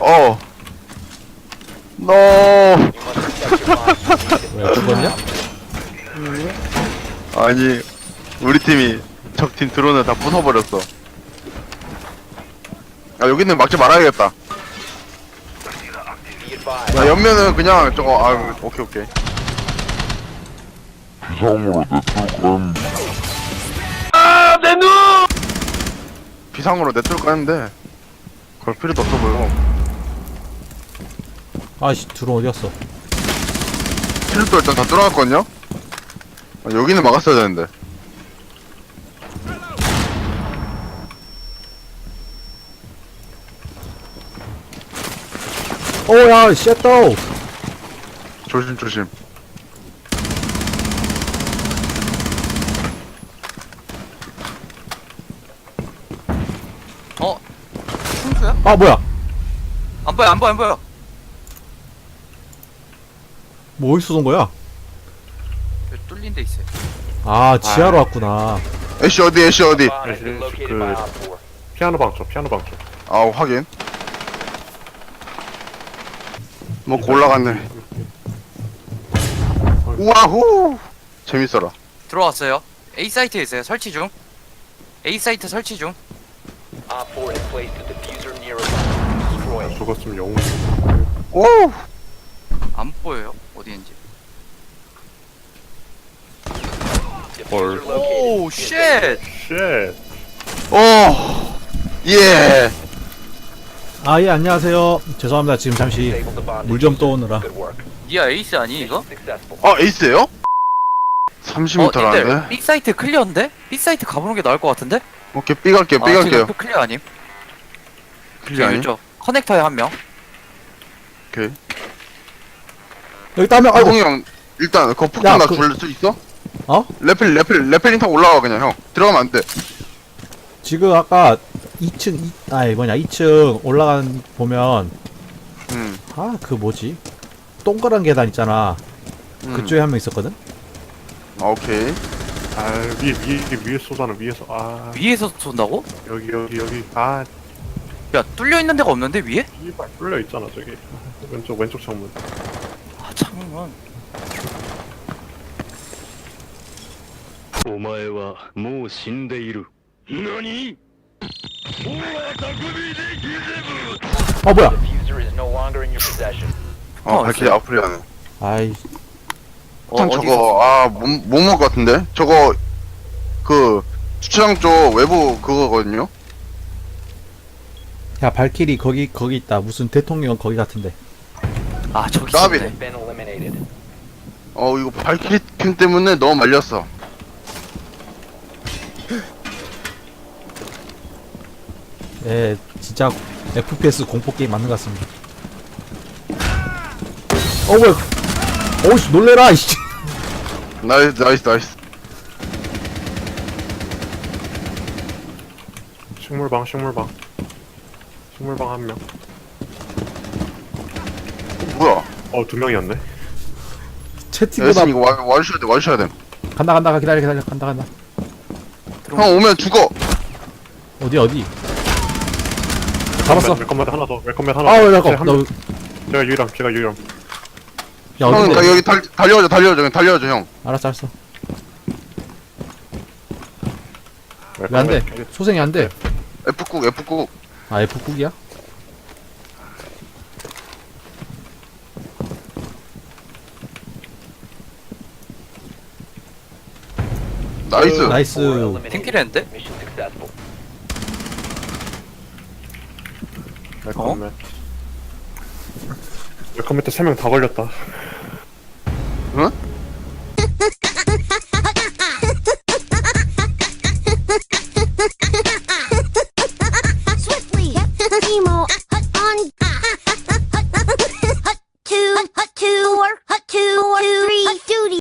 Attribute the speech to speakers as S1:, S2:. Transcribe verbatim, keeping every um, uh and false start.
S1: 어. 노.
S2: 왜 죽었냐?
S1: 아니, 우리 팀이 적팀 드론을 다 부숴버렸어. 아, 여기는 막지 말아야겠다. 야, 옆면은 그냥 저거, 아, 오케이, 오케이.
S3: 비상으로 내뚫고
S1: 비상으로 내뚫고 하는데, 그럴 필요도 없어 보여.
S2: 아씨 드론 어디갔어?
S1: 필요도 일단 다 뚫어놨거든요? 아, 여기는 막았어야 되는데.
S2: 오야 쉣도
S1: 조심, 조심.
S4: 어? 충수야?
S2: 아 뭐야
S4: 안 보여 안 보여 안 보여.
S2: 뭐 어디서 쏜 거야?
S4: 왜 뚫린 데 있어요?
S2: 아 지하로 왔구나.
S1: 애쉬 어디, 애쉬 어디?
S5: 그 피아노 방 쪽, 피아노 방 쪽.
S1: 아, 확인. 뭐, 올라갔네. 우와후! 재밌어라.
S4: 들어왔어요. A 사이트에 있어요. 설치 중. A 사이트 설치 중.
S5: 죽었으면 영웅.
S1: 오!
S4: 안 보여요. 어디인지.
S5: 헐.
S4: 오 쉣.
S5: 쉣.
S1: 오! 예!
S2: 아 예 안녕하세요. 죄송합니다 지금 잠시 물 좀 떠오느라.
S4: 니가 에이스 아니 이거?
S1: 아, 에이스에요? 삼십
S4: 어
S1: 미터라는데?
S4: 님들 B 사이트 클리어인데? B 사이트 가보는 게 나을 것 같은데?
S1: 오케이, B 갈게요, B
S4: 아,
S1: 갈게요.
S4: 지금 클리어 아님?
S1: 클리어 아니?
S4: 쪽 커넥터에 한 명.
S1: 오케이.
S2: 여기 따면 아이고
S1: 아이고, 형, 일단, 그거
S2: 야,
S1: 폭탄 나
S2: 그-
S1: 굴릴 수 있어?
S2: 어?
S1: 레펠, 레펠, 레펠링 타고 올라와, 그냥, 형. 들어가면 안 돼.
S2: 지금 아까 이 층 이, 아니 뭐냐 이 층 올라간 보면
S1: 음.
S2: 아 그 뭐지 동그란 계단 있잖아.
S1: 음.
S2: 그쪽에 한 명 있었거든.
S1: 아, 오케이.
S5: 아, 위에, 위에, 위에 쏘잖아, 위에서. 아,
S4: 위에서 쏜다고?
S5: 여기, 여기, 여기. 아,
S4: 야 뚫려 있는 데가 없는데 위에?
S5: 씨발, 뚫려 있잖아, 저기. 왼쪽, 왼쪽 창문.
S4: 아 창문.
S6: お前はもう死んでいる。何？
S2: 어 뭐야?
S1: 어,
S4: 어,
S1: 발키리
S4: 있어요.
S1: 아프리 하네.
S2: 아이
S1: 폭탄
S4: 어,
S1: 저거, 아, 못, 못 먹을 것 같은데? 저거, 그, 주차장 쪽 외부 그거거든요?
S2: 야 발키리 거기 거기 있다. 무슨 대통령 거기 같은데.
S4: 아 저기
S1: 나비.
S4: 있었네.
S1: 어, 이거 발키리 캠 때문에 너무 말렸어.
S2: 예 진짜 에프피에스 공포 게임 맞는 것 같습니다. 어 뭐야? 어우씨 놀래라 이씨.
S1: 나이스, 나이스, 나이스.
S5: 식물방, 식물방. 식물방 한 명.
S1: 뭐야?
S5: 어, 두 명이었네.
S2: 채팅보다
S1: 여신 이거 와, 와주셔야 돼, 와주셔야 돼.
S2: 간다 간다 기다려 기다려 간다 간다.
S1: 형 오면 죽어!
S2: 어디 어디? 잡았어.
S5: 웰컴맨 하나 더, 웰컴맨 하나
S2: 아우
S5: 더.
S2: 잠깐.
S5: 한
S2: 나
S5: 명. 제가 유일함, 제가 유일함.
S2: 야
S1: 형,
S2: 어딘데?
S1: 나 여기 달, 달려줘, 달려줘, 그냥 달려줘, 형.
S2: 알았어 알았어. 왜
S5: 웰컴맨.
S2: 안 돼? 소생이 안 돼.
S1: F꾹, F꾹.
S2: 아 F국이야?
S1: 나이스.
S2: 나이스.
S4: 팀킬 했는데?
S5: 웰컴맨. 웰컴맨 때 세 명 다 걸렸다.
S1: 응?